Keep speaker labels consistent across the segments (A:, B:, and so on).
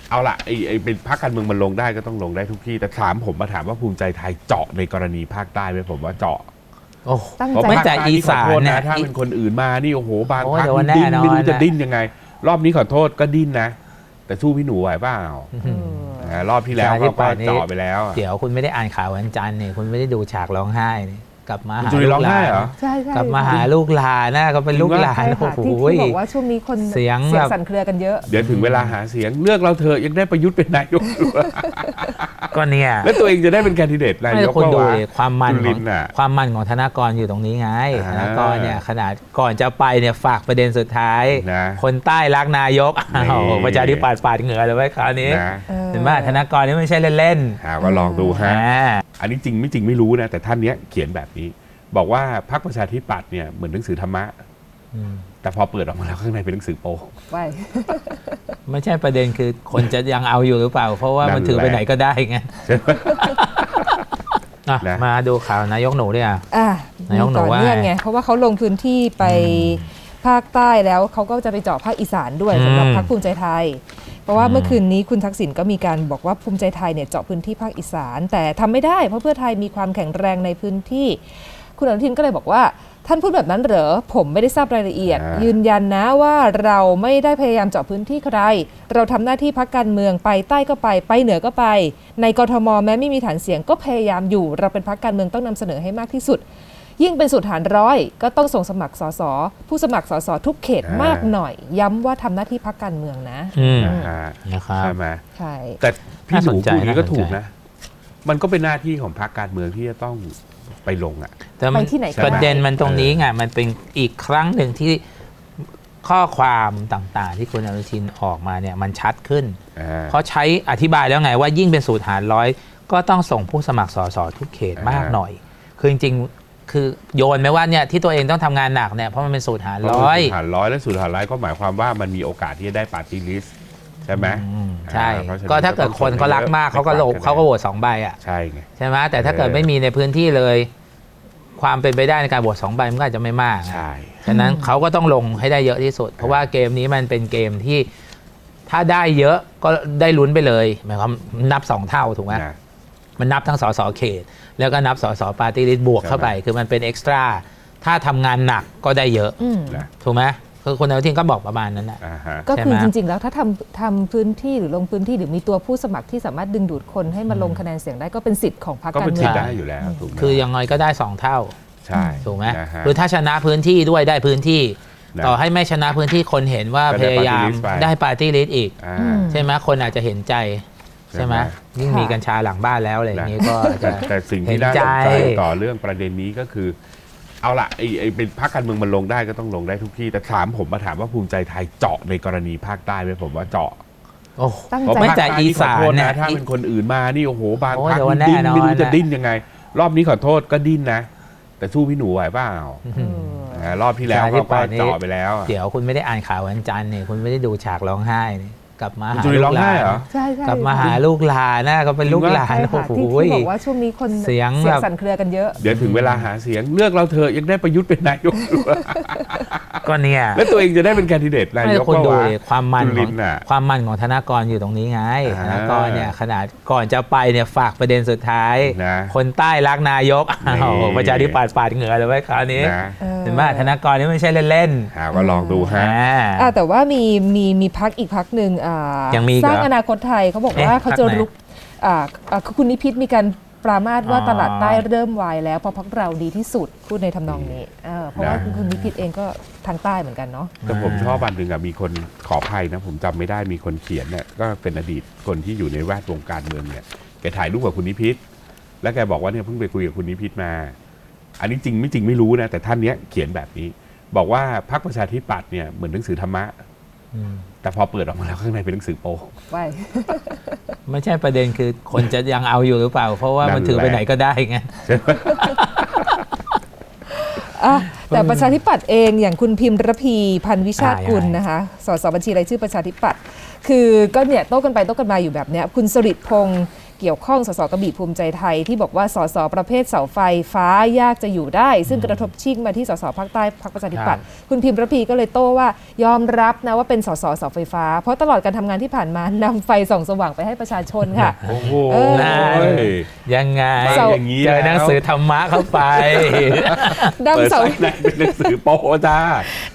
A: เอาละไอ้เป็นพรรคการเมืองมันลงได้ก็ต้องลงได้ทุกที่แต่ถามว่าภูมิใจไทยเจาะในกรณีภาคใต้ไหมผมว่าเจาะ
B: โอ้
C: ตั้ง
A: เพราะ
C: ใจ
B: ไม่
A: ภาค
B: แต่
A: ใต้
B: อี
A: นี่ขอ
B: สาน
A: โทษ
B: เนี่
A: นะ
B: ย
A: ถ้าเป็นคนอื่นมานี่โอ้โหบาง
B: โอ้
A: พรรค
B: เดี๋ยว
A: ดิ้น
B: แน่นอน
A: ไม่รู้จะ
B: นะ
A: ดิ้นยังไง รอบนี้ขอโทษก็ดิ้นนะ แต่สู้พี่หนูไหวเปล่า รอบที่แล้วเขาก็เจาะไปแล้วอะ
B: เดี๋ยวคุณไม่ได้อ่านข่าววันจันทร์เนี่ยคุณไม่ได้ดูฉากร้องไห้เนี่ยกลับมา
A: คุณ
B: หา
A: จุลิน
B: ลู
A: ร้อก ง
B: หลา
A: ไห้
B: น
A: เหรอ
C: ใช่ใช่
B: กลับมาหาลูกหลานนะก็เป็นลูกหลาน
C: ใช่
B: โอ้
C: ค่ะ
B: โห
C: ที่บอกว่าช่วงนี้คน
B: เสียงแบบ
C: สั่นเครือกันเยอะ
A: เดี๋ยวถึงเวลาหาเสียงเลือกเราเถอะยังได้ประยุทธ์เป็นนายกอยู่
B: ก็เนี่ย
A: แล้วตัวเองจะได้เป็นแคนดิเดตนา
B: ไม่
A: ย
B: ได้
A: ก
B: คุณ
A: ก็
B: ดู
A: ว่า
B: ดิความมัน
A: จุ
B: ข
A: ลิ
B: อง
A: นน่ะ
B: ความมันของธนากรอยู่ตรงนี้ไง
A: อ่า
B: ธนากรเนี่ยขนาดก่อนจะไปเนี่ยฝากประเด็นสุดท้าย
A: นะ
B: คนใต้รักนายกอ้าว
A: นี่
B: ประชาธิปัตย์ปาดเหงื่อเลยไว้คราวนี้
A: นะ
B: เห็นไหมธนากรนี่ไม่ใช่เล่น
A: ก็ลองดู
B: ๆ
A: ฮะ
B: อ่า
A: อันนี้จริงไม่จริงไม่รู้นะ แต่ท่านเนี้ยเขียนแบบนี้ บอกว่าพรรคประชาธิปัตย์เนี่ยเหมือนหนังสือธรรมะ
B: อืม
A: แต่พอเปิดออกมาแล้วข้างในเป็นหนังสือโป๊
C: ไว้
B: ไม่ใช่ประเด็นคือคนจะยังเอาอยู่หรือเปล่า เพราะว่ามันถือไปไหนก็ได้ไงอ่ะ
A: นะ
B: มาดูข่าวนายกหนูเนี่ย นายกหนู
C: ต่อ
B: ว่า
C: เนื่องไงเพราะว่าเขาลงพื้นที่ไปภาคใต้แล้วเขาก็จะไปเจาะภาคอีสานด้วยสำหรับพรรคภูมิใจไทย เพราะว่าเมื่อคืนนี้คุณทักษิณก็มีการบอกว่าภูมิใจไทยเนี่ยเจาะพื้นที่ภาคอีสาน แต่ทำไม่ได้เพราะเพื่อไทยมีความแข็งแรงในพื้นที่ คุณอนุทินก็เลยบอกว่าท่านพูดแบบนั้นเหรอผมไม่ได้ทราบรายละเอียด ยืนยันนะว่าเราไม่ได้พยายามเจาะพื้นที่ใครเราทำหน้าที่พรรคการเมืองไปใต้ก็ไปเหนือก็ไป ในกทมแม้ไม่มีฐานเสียงก็พยายามอยู่เราเป็นพรรคการเมืองต้องนำเสนอให้มากที่สุด ยิ่งเป็นสูตรฐานร้อยก็ต้องส่งสมัครสสผู้สมัครสสทุกเขตมากหน่อย ย้ำว่าทำหน้าที่พรรคการเมืองนะ
A: นะฮะ
B: นะครับ
A: ใช่ไหม
C: ใช่
A: แต่พี่หนู
B: น่าสนใจ
A: พูดอย่างนี้ก็
B: น่าสนใจ
A: ถูกนะ มันก็เป็นหน้าที่ของพรรคการเมืองที่จะต้องไปลงอ่ะ
B: แต่มัน
C: ไปที่ไหนก็ได้
B: ประเด็นมันตรงนี้ไงมันเป็นอีกครั้งหนึ่งที่ข้อความต่างๆ ที่คุณอนุทินออกมาเนี่ยมันชัดขึ้น เพราะใช้อธิบายแล้วไงว่ายิ่งเป็นสูตรหารร้อยก็ต้องส่งผู้สมัครสสทุกเขตมากหน่อย คือจริงๆคือโยนไหมว่าเนี่ยที่ตัวเองต้องทำงานหนักเนี่ยเพราะมันเป็นสูตรหารร้อย
A: สูตรหารร้อยและสูตรหารร้อยก็หมายความว่ามันมีโอกาสที่จะได้ปาร์ตี้ลิสต์ใช่ไหม
B: ใช่
A: เพราะฉะนั้น
B: ก็ถ้าเกิดคนเขารักมากเขาก็โหล
A: ไม่
B: เขาก็โหวต2 ใบอ่ะ
A: ใช่ไง
B: ใช่ไหมแต่ถ้าเกิดไม่มีในพื้นที่เลย ความเป็นไปได้ในการโหวต2 ใบมันก็อาจจะไม่มาก
A: ใช่
B: ฉะนั้นเขาก็ต้องลงให้ได้เยอะที่สุด เพราะว่าเกมนี้มันเป็นเกมที่ถ้าได้เยอะก็ได้ลุ้นไปเลยหมายความนับ2 เท่าถูกไหม
A: นะ
B: มันนับทั้งสสเขต แล้วก็นับสสปาร์ตี้ลิสต์บวกเข้าไป คือมันเป็นเอ็กซ์ตร้าถ้าทำงานหนักก็ได้เยอะ
A: นะ
B: ถูกไหมคือคุณอนุทินก็บอกประมาณนั้นแหละ
A: ฮะ
C: ก็คือ
B: ใช่ไหม
C: จริงๆ แล้วถ้าทำพื้นที่หรือลงพื้นที่หรือมีตัวผู้สมัครที่สามารถดึงดูดคนให้มาลงคะแนนเสียงได้ก็เป็นสิทธิ์ของพรรค
A: ก็
C: การ
A: เป็น
C: เมื
A: สิ
C: อ
A: ท
C: ง
A: ธิ์ได้อยู่แล้วถูกไหม
B: คือยังไงก็ได้2 เท่า
A: ใช่
B: ถูกไหม
A: นะฮะ
B: หรือถ้าชนะพื้นที่ด้วยได้พื้นที่
A: นะ
B: ต่อให้ไม่ชนะพื้นที่คนเห็นว่า
A: ก็
B: พ
A: ได้
B: ยายาม
A: party list ไป
B: ได้ปาร์ตี้ลิสต์อีก
A: อ่า
B: ใช่ไหมคนอาจจะเห็นใจใช่ไหม
A: ใช่ไหม
B: ยิ่งมีกัญชาหลังบ้านแล้วอะไรอย่างนี้ก็จะ
A: แต่สิ่งที่น่าสนใจ
B: เห็นใจ
A: ต่อเรื่องประเด็นนี้ก็คือ เอาละไอ้เป็นพรรคการเมืองมันลงได้ก็ต้องลงได้ทุกที่แต่ถามว่าภูมิใจไทยเจาะในกรณีภาคใต้ไหมผมว่าเจาะ
B: โอ้
C: ตั้ง
A: เพราะ
C: ใจ
B: ไม่
A: ภาค
B: แต่
A: ใต้
B: อี
A: นี่ขอ
B: สาน
A: โทษ
B: เนี่
A: นะ
B: ย
A: ถ้าเป็นคนอื่นมานี่โอ้โหบาง
B: โอ้
A: พรรค
B: เดี๋ยว
A: นี่ดิ้น
B: แน่นอน
A: ไม่รู้จะ
B: นะ
A: ดิ้นยังไง รอบนี้ขอโทษก็ดิ้นนะ แต่สู้พี่หนูไหวเปล่า รอบที่แล้วเขาก็เจาะไปแล้วอะ
B: เดี๋ยวคุณไม่ได้อ่านข่าววันจันทร์เนี่ยคุณไม่ได้ดูฉากร้องไห้เนี่ยกลับมา
A: คุณ
B: หา
A: จุลิน
B: ลู
A: ร้อก ง
B: หลา
A: ไห้
B: น
A: เหรอ
C: ใช่ใช่
B: กลับมาหาลูกหลานนะก็เป็นลูกหลาน
C: ใช่
B: โอ้
C: ค่ะ
B: โห
C: ที่บอกว่าช่วงนี้คน
B: เสียงแบบ
C: สั่นเครือกันเยอะ
A: เดี๋ยวถึงเวลาหาเสียงเลือกเราเถอะยังได้ประยุทธ์เป็นนายกอยู่
B: ก็เนี่ย
A: แล้วตัวเองจะได้เป็นแคนดิเดตนาย
B: ไม่
A: ก
B: คุณ
A: ก็
B: ดู
A: ว่า
B: ดิความมัน
A: จุ
B: ข
A: ลิ
B: อง
A: นน่ะ
B: ความมันของธนากรอยู่ตรงนี้ไง
A: อ่า
B: ธนากรเนี่ยขนาดก่อนจะไปเนี่ยฝากประเด็นสุดท้าย
A: นะ
B: คนใต้รักนายกอ้าว
A: นี่
B: ประชาธิปัตย์ปาดเหงื่อเลยไว้คราวนี้
A: นะ
B: เห็นไหมธนากรนี่ไม่ใช่เล่น
A: ก็ลองดู
B: ๆ
A: ฮะ
C: แต่ว่ามีพักอีกพักหนึ่ง
B: ยังมีอีก
C: สร้าง
B: เหรอ
C: อนาคตไทยเขาบอกว่า
B: เอ๊ะ
C: เขาจะ
B: พรรคไหน
C: ลุกคุณนิพิษมีการปรามาสว่า
B: อ๋อ
C: ตลาดใต้เริ่มวายแล้วเพราะพักเราดีที่สุดพูดในทำนองนี้เพราะว่า
A: นะ
C: คุณนิพิษเองก็ทางใต้เหมือนกันเนาะ
A: แต่ผมชอบอันหนึ่งมีคนขออภัยนะผมจำไม่ได้มีคนเขียนเนี่ยก็เป็นอดีตคนที่อยู่ในแวดวงการเมืองเนี่ยแกถ่ายรูปกับคุณนิพิษแล้วแกบอกว่าเนี่ยเพิ่งไปคุยกับคุณนิพิษมา อันนี้จริงไม่จริงไม่รู้นะแต่ท่านเนี้ยเขียนแบบนี้ บอกว่าพรรคประชาธิปัตย์เนี่ยเหมือนหนังสือธรรมะ แต่พอเปิดออกมาแล้วข้างในเป็นหนังสือโป๊
C: ไว้
B: ไม่ใช่ประเด็นคือคนจะยังเอาอยู่หรือเปล่า เพราะว่ามันถือไปไหนก็ได้ไง
C: แต่ประชาธิปัตย์เองอย่างคุณพิมพ์ระพีพันธ์วิชาติกุล
B: ยังไง
C: นะคะสสบัญชีรายชื่อประชาธิปัตย์คือก็เนี่ยโต้กันไปโต้กันมาอยู่แบบเนี้ยคุณสฤษดิ์พงษ์เกี่ยวข้องสสกระบี่ภูมิใจไทยที่บอกว่าสสประเภทเสาไฟฟ้ายากจะอยู่ได้ซึ่งกระทบชิ่งมาที่สสภาคใต้พรรคประชาธิปัตย์คุณพิมพ์ระพีก็เลยโต้ว่ายอมรับนะว่าเป็นสสเสาไฟฟ้าเพราะตลอดการทำงานที่ผ่านมานำไฟส่องสว่างไปให้ประชาชนค่ะ
A: โอ้โห
B: ยังไง
A: มาอย่างนี้
B: เจอหนังสือธรรมะเข้าไป
C: นำเสา
A: ในเป็นหนังสือโป๊จ้าน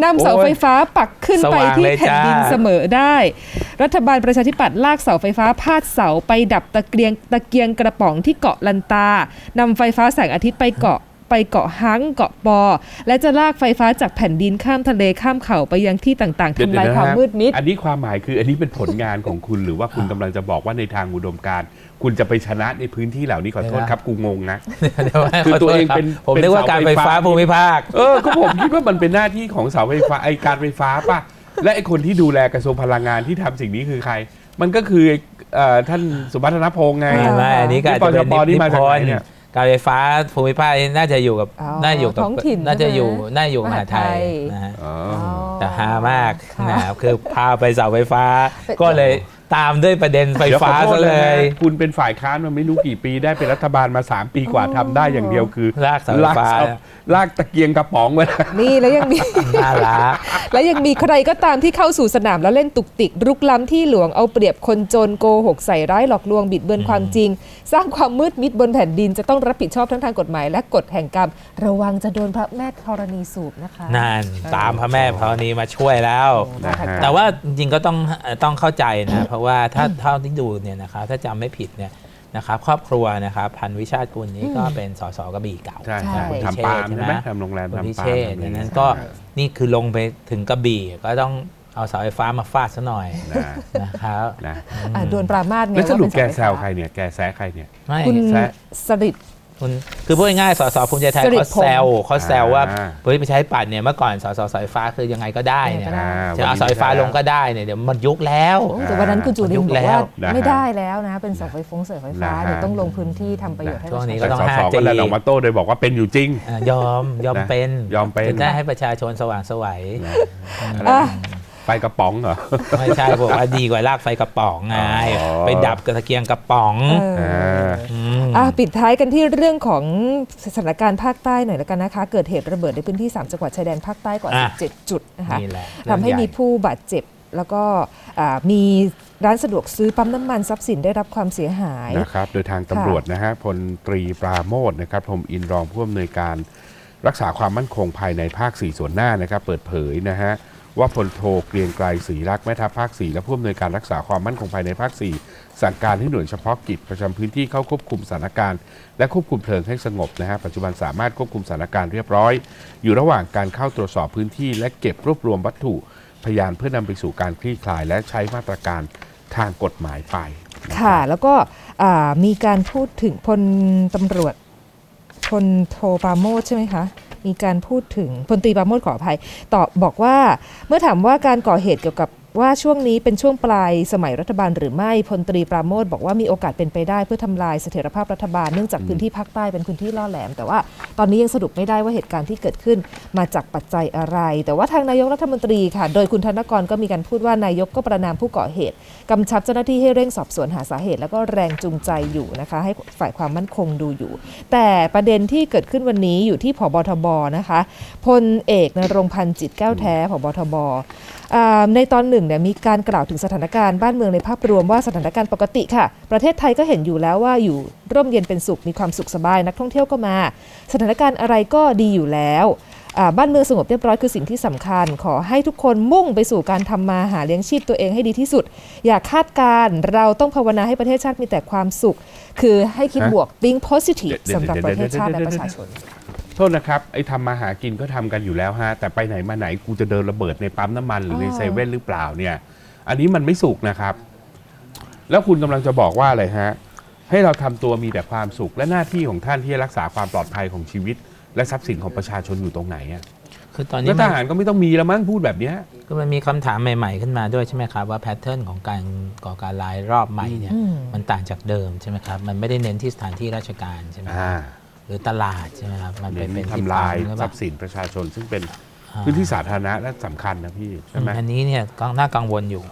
C: ำเสาไฟฟ้าปักขึ้นไปที่แผ่นดินเสมอได้ รัฐบาลประชาธิปัตย์ลากเสาไฟฟ้าพาดเสาไปดับตะเกียงกระป๋องที่เกาะลันตานำไฟฟ้าแสงอาทิตย์ไปเกาะฮังเกาะปอและจะลากไฟฟ้าจากแผ่นดินข้ามทะเลข้ามเขาไปยังที่ต่างๆทำลายความมืดมิด
A: อันนี้ความหมายคืออันนี้เป็นผลงานของคุณหรือว่าคุณกำลังจะบอกว่าในทางอุดมการณ์คุณจะไปชนะในพื้นที่เหล่านี้ขอโทษครับกูงงนะ คือตัวเองเป็น
B: ผมนึกว่าการไฟฟ้าภูมิภาค
A: ก็ผมคิดว่ามันเป็นหน้าที่ของเสาไฟฟ้าไอการไฟฟ้าป่ะและไอคนที่ดูแลกระทรวงพลังงานที่ทำสิ่งนี้คือใคร มันก็คือท่านสุพัฒนพงษ์ไง
B: ไม่อันนี้ก็อาจจะเป็น
A: นี่มาจากไหนเนี่ย
B: การไฟฟ้าภูมิภาคน่าจะอยู่กับ น่าอยู่กับ
C: ท้องถิ่น
B: น่าจะอยู่
C: ใช่ไหม
B: น่าอยู่มหาไทย
C: มหาไทย
B: นะฮะ
A: อ๋อ
B: แต่ฮามาก
C: ค่ะ
B: นะครับคือพาไปเสาไฟฟ้า
C: เป็น
B: ก็เลยตามด้วยประเด็นไฟฟ้า
A: ดี๋ยวขอโท
B: ซะ
A: ษ
B: เล
A: นะ
B: ย
A: คุณเป็นฝ่ายค้านมาไม่รู้กี่ปีได้เป็นรัฐบาลมา3 ปีกว่าทำได้อย่างเดียวคือ
B: ลากเสาไฟฟ้า
A: ลากตะเกียงกระป๋องไว้
C: นี่แล้วยังมี
B: น่ารัก
C: และยังมีใครก็ตามที่เข้าสู่สนามแล้วเล่นตุกติกรุกล้ำที่หลวงเอาเปรียบคนจนโกหกใส่ร้ายหลอกลวงบิดเบือนความจริง สร้างความมืดมิดบนแผ่นดินจะต้องรับผิดชอบทั้งทางกฎหมายและกฎแห่งกรรม ระวังจะโดนพระแม่ธรณีสูบนะคะ
B: นั่นตามพระแม่พรณีมาช่วยแล้ว
A: นะฮะ
B: แต่ว่าจริงๆก็ต้องเข้าใจนะเพราะว่าถ้าเท่าที่ดูเนี่ยนะครับถ้าจำไม่ผิดเนี่ยนะครับครอบครัวนะครับพันวิชาติกุลนี้ก็เป็นสสกระบี่เก่า
A: ใช่
C: ใช่
A: ทำปาล์มใช่ไหมทำโรงแรม
B: คุณพิ
A: ทำปา
B: เช
A: ล์
B: ษ
A: ม
B: ฐ์ดังนั้นก็นี่คือลงไปถึงกระบี่ก็ต้องเอาเสาไฟฟ้ามาฟาดซะหน่อย
A: นะ
B: นะครับ
A: นะ
C: โดนปรามาสไง
A: แล้วสรุป
C: ว่า
A: แก
C: เป็น
A: แซ
C: เสาว ไฟ
A: ใคร
C: ฟ้า
A: เนี่ยแกแซะใครเนี่ย
B: ไม่
C: คุณ
A: แซะ
C: สริด
B: คุณคือพูดง่ายๆสสภูมิใจไทย
C: สิริ
B: เขา
C: พงษ์
B: แซวว่าเฮ้ยไปใช้ปัดเนี่ยเมื่อก่อนสสสายฟ้าคือยังไงก็ได้เนี่ย
C: ยังไงก็ได้
B: จะเอาสายฟ้าลงก็ได้เนี่ยเดี๋ยวมันยุคแล้ว
C: แต่วันนั้นคุณจุลินทร์บอกว่า
A: นะฮะ
C: ไม่ได้แล้วนะเป็นเสาไฟเสาไฟฟ้า
A: นะฮะ
C: เดี๋ยวต้องลงพื้นที่ทำประโยชน์ให้ป
B: ช่ว
C: ระ
B: งนี้
C: ชาช
B: ก็
C: น
B: ต้อง
A: สส
B: 5G
A: ก็เลยออกมาโต้โดยบอกว่าเป็นอยู่จริง
B: ยอมเป็น
A: ยอมเป็น
B: จะได้ให้ประชาชนสว่างไสวัย
C: อ่ะ
A: ไฟกระป๋องเหรอ
B: ไม่ใช่บอกว่าดีกว่าลากไฟกระป๋องไง
A: อ๋อ
B: ไปดับกระเกียงกระป๋อง
C: ปิดท้ายกันที่เรื่องของสถานการณ์ภาคใต้หน่อยแล้วกันนะคะ เกิดเหตุระเบิดในพื้นที่ 3 จังหวัดชายแดนภาคใต้กว่า
B: อ่ะ
C: 17 จุดนะคะ
B: นี่แหละ
C: ทำให้มีผู้บาดเจ็บ แล้วก็มีร้านสะดวกซื้อปั๊มน้ำมันทรัพย์สินได้รับความเสียหาย
A: นะครับโดยทางตำรวจนะฮะพลตรีปราโมทนะครับพรหมอินทร์รองผู้อำนวยการรักษาความมั่นคงภายในภาค 4 ส่วนหน้านะครับเปิดเผยนะฮะว่าพลโทเกรียงไกรศรีรักษ์แม่ทัพภาค 4 และผู้อำนวยการรักษาความมั่นคงภายในภาค 4 สั่งการให้หน่วยเฉพาะกิจประจำพื้นที่เข้าควบคุมสถานการณ์และควบคุมเพลิงให้สงบนะฮะปัจจุบันสามารถควบคุมสถานการณ์เรียบร้อย อยู่ระหว่างการเข้าตรวจสอบพื้นที่และเก็บรวบรวมวัตถุพยานเพื่อนำไปสู่การคลี่คลายและใช้มาตรการทางกฎหมายไปนะครับ
C: ค่ะ แล้วก็มีการพูดถึงพลตำรวจพลโทปราโมชใช่ไหมคะ มีการพูดถึงพลตรีปราโมชขออภัยตอบบอกว่าเมื่อถามว่าการก่อเหตุเกี่ยวกับว่าช่วงนี้เป็นช่วงปลายสมัยรัฐบาลหรือไม่พลตรีปราโมชบอกว่ามีโอกาสเป็นไปได้เพื่อทำลายเสถียรภาพรัฐบาลเนื่องจากพื้นที่ภาคใต้เป็นพื้นที่ล่อแหลม แต่ว่าตอนนี้ยังสรุปไม่ได้ว่าเหตุการณ์ที่เกิดขึ้นมาจากปัจจัยอะไร แต่ว่าทางนายกรัฐมนตรีค่ะโดยคุณธนกรก็มีการพูดว่านายกก็ประณามผู้ก่อเหตุกำชับเจ้าหน้าที่ให้เร่งสอบสวนหาสาเหตุแล้วก็แรงจูงใจอยู่นะคะให้ฝ่ายความมั่นคงดูอยู่ แต่ประเด็นที่เกิดขึ้นวันนี้อยู่ที่ผบทบนะคะพลเอกณรงค์พันธ์จิตแก้วแท้ผบทบในตอนหนึ่งเนี่ยมีการกล่าวถึงสถานการณ์บ้านเมืองในภาพรวมว่าสถานการณ์ปกติค่ะประเทศไทยก็เห็นอยู่แล้วว่าอยู่ร่มเย็นเป็นสุขมีความสุขสบายนักท่องเที่ยวก็มาสถานการณ์อะไรก็ดีอยู่แล้วบ้านเมืองสงบเรียบร้อยคือสิ่งที่สำคัญขอให้ทุกคนมุ่งไปสู่การทำมาหาเลี้ยงชีพตัวเองให้ดีที่สุดอย่าคาดการณ์เราต้องภาวนาให้ประเทศชาติมีแต่ความสุขคือให้คิดบวก being positive สำหรับประเทศชาติและประชาชน
A: โทษนะครับไอ้ทำมาหากินก็ทำกันอยู่แล้วฮะแต่ไปไหนมาไหนกูจะเดินระเบิดในปั๊มน้ำมันหรือในเซเว่นหรือเปล่าเนี่ยอันนี้มันไม่สุกนะครับแล้วคุณกำลังจะบอกว่าอะไรฮะให้เราทำตัวมีแต่ความสุขและหน้าที่ของท่านที่จะรักษาความปลอดภัยของชีวิตและทรัพย์สินของประชาชนอยู่ตรงไหนอ่ะ
B: คือตอนนี้
A: แล้วทหารก็ไม่ต้องมีแล้วมั้งพูดแบบเนี้ย
B: ก็มันมีคำถามใหม่ๆขึ้นมาด้วยใช่ไหมครับว่าแพทเทิร์นของการก่อการร้ายรอบใหม่เนี่ยมันต่างจากเดิมใช่ไหมครับมันไม่ได้เน้นที่สถานที่ราชการใช่ไหมหรือตลาดใช่ไหมครับมันเป็นที่
A: ทำลาย
B: ปั๊ม
A: ทรัพย์สินประชาชนซึ่งเป็นพื้นที่สาธารณะและสำคัญนะพี่ใช่ไหม
B: อันนี้เนี่ยก็น่ากังวลอยู่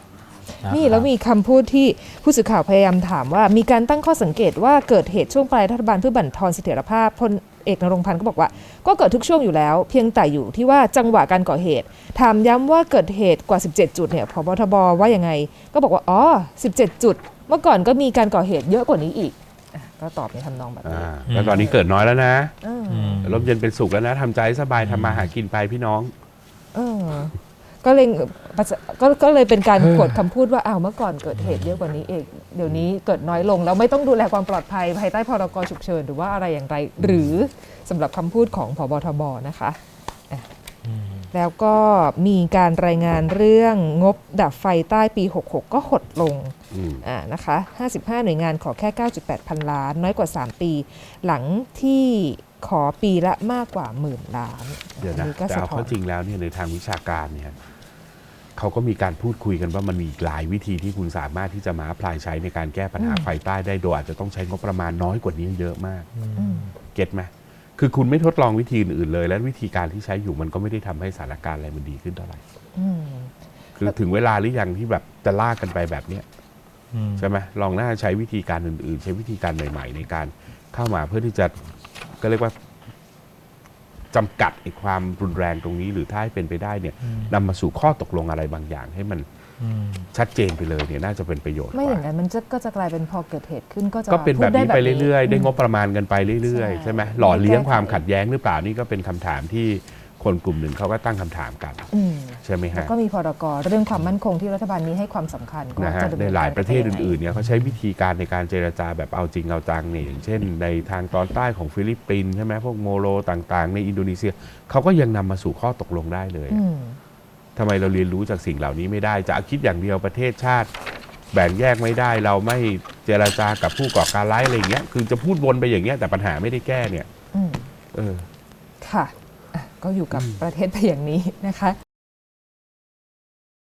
C: นี่แล้วมีคำพูดที่ผู้สื่อข่าวพยายามถามว่ามีการตั้งข้อสังเกตว่าเกิดเหตุช่วงปลายรัฐบาลเพื่อบั่นทอนเสถียรภาพพลเอกนรงค์พันธ์ก็บอกว่าก็เกิดทุกช่วงอยู่แล้วเพียงแต่อยู่ที่ว่าจังหวะการก่อเหตุถามย้ำว่าเกิดเหตุกว่า17จุดเนี่ยผบทบว่ายังไงก็บอกว่าอ๋อ17จุดเมื่อก่อนก็มีการก่อเหตุเยอะกว่านี้อีกก็ตอบในทำนองแบบนี้
A: แล้วตอนนี้เกิดน้อยแล้วนะ
C: อืม
A: ลมเย็นเป็นสุขแล้วนะทำใจสบายทำมาหากินไปพี่น้อง
C: ก็เลยก็เลยเป็นการขวดคำพูดว่าอ้าวเมื่อก่อนเกิดเหตุเยอะกว่านี้เองเดี๋ยวนี้เกิดน้อยลงแล้วไม่ต้องดูแลความปลอดภัยภายใต้พรกฉุกเฉินหรือว่าอะไรอย่างไรหรือสำหรับคำพูดของผบทบนะคะแล้วก็มีการรายงานเรื่องงบดับไฟใต้ปี 66 ก็หดลงนะคะ55หน่วยงานขอแค่ 9.8 พันล้านน้อยกว่า3ปีหลังที่ขอปีละมากกว่า10,000 ล้าน
A: เดี๋ยวนะแต่เอาเข้าจริงแล้วเนี่ยในทางวิชาการเนี่ยเขาก็มีการพูดคุยกันว่ามันมีอีกหลายวิธีที่คุณสามารถที่จะมาพลายใช้ในการแก้ปัญหาไฟใต้ได้โดยอาจจะต้องใช้งบประมาณน้อยกว่านี้เยอะมากเก็ตไหมคือคุณไม่ทดลองวิธีอื่นเลยและวิธีการที่ใช้อยู่มันก็ไม่ได้ทำให้สถานการณ์อะไรมันดีขึ้นเท่าไหร่คือถึงเวลาหรือยังที่แบบจะลากกันไปแบบเนี้ยใช่ไหมลองน่าใช้วิธีการอื่นๆใช้วิธีการใหม่ๆในการเข้ามาเพื่อที่จะก็เรียกว่าจำกัดความรุนแรงตรงนี้หรือถ้าให้เป็นไปได้เนี่ยนำมาสู่ข้อตกลงอะไรบางอย่างให้มันชัดเจนไปเลยเนี่ยน่าจะเป็นประโยชน์
C: ไม่อย่างนั้นมันก็จะกลายเป็นพอเกิดเหตุขึ้นก็
A: เป็นแบบนี้ไปเรื่อยๆได้งบประมาณกันไปเรื่อยๆใช่ไหมหล่อเลี้ยงความขัดแย้งหรือเปล่านี่ก็เป็นคำถามที่คนกลุ่มหนึ่งเขาก็ตั้งคำถามกันใช่ไหมฮะ
C: แล้วก็มีพรกเรื่องความมั่นคงที่รัฐบาลนี้ให้ความสำคัญก็จะ
A: ในหลายประเทศอื่นๆเนี่ยเขาใช้วิธีการในการเจรจาแบบเอาจริงเอาจังเนี่ยอย่างเช่นในทางตอนใต้ของฟิลิปปินส์ใช่ไหมพวกโมโรต่างๆในอินโดนีเซียเขาก็ยังนำมาสู่ข้อตกลงได้เลยทำไมเราเรียนรู้จากสิ่งเหล่านี้ไม่ได้จะคิดอย่างเดียวประเทศชาติแบ่งแยกไม่ได้เราไม่เจรจากับผู้ก่อการร้ายอะไรอย่างเงี้ยคือจะพูดวนไปอย่างเงี้ยแต่ปัญหาไม่ได้แก้เนี่ย
C: ค่ะก็อยู่กับประเทศไปอย่างนี้นะคะ